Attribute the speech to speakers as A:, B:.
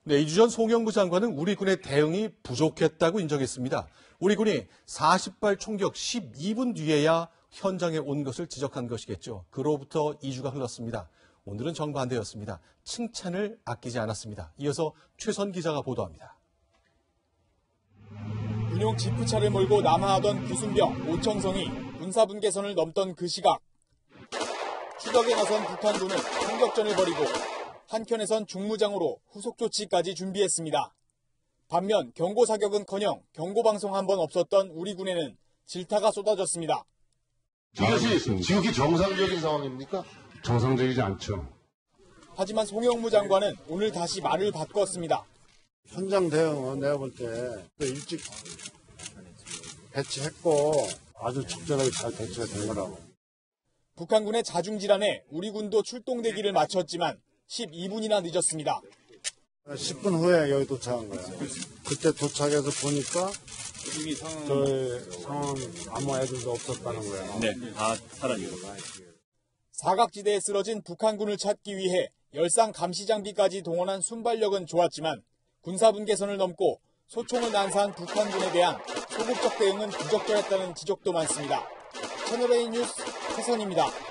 A: 네, 2주 전 송영무 장관은 우리 군의 대응이 부족했다고 인정했습니다. 우리 군이 40발 총격 12분 뒤에야 현장에 온 것을 지적한 것이겠죠. 그로부터 2주가 흘렀습니다. 오늘은 정반대였습니다. 칭찬을 아끼지 않았습니다. 이어서 최선 기자가 보도합니다.
B: 군용 지프차를 몰고 남하하던 구순병 오청성이 군사분계선을 넘던 그 시각. 추격에 나선 북한군은 총격전을 벌이고 한켠에선 중무장으로 후속 조치까지 준비했습니다. 반면 경고사격은커녕 경고방송 한 번 없었던 우리 군에는 질타가 쏟아졌습니다.
C: 이것이 지극히 정상적인 상황입니까?
D: 정상적이지 않죠.
B: 하지만 송영무 장관은 오늘 다시 말을 바꿨습니다.
E: 현장 대응은 내가 볼 때 일찍 배치했고 아주 적절하게 잘 대처가 된 거라고.
B: 북한군의 자중질환에 우리 군도 출동대기를 마쳤지만 12분이나 늦었습니다.
E: 10분 후에 여기 도착한 거야. 그때 도착해서 보니까 저희 상황 아무 애들도 없었다는 거야.
F: 네, 다 사라지고.
B: 사각지대에 쓰러진 북한군을 찾기 위해 열상 감시 장비까지 동원한 순발력은 좋았지만 군사분계선을 넘고 소총을 난사한 북한군에 대한 소극적 대응은 부적절했다는 지적도 많습니다. 채널A 뉴스 최선입니다.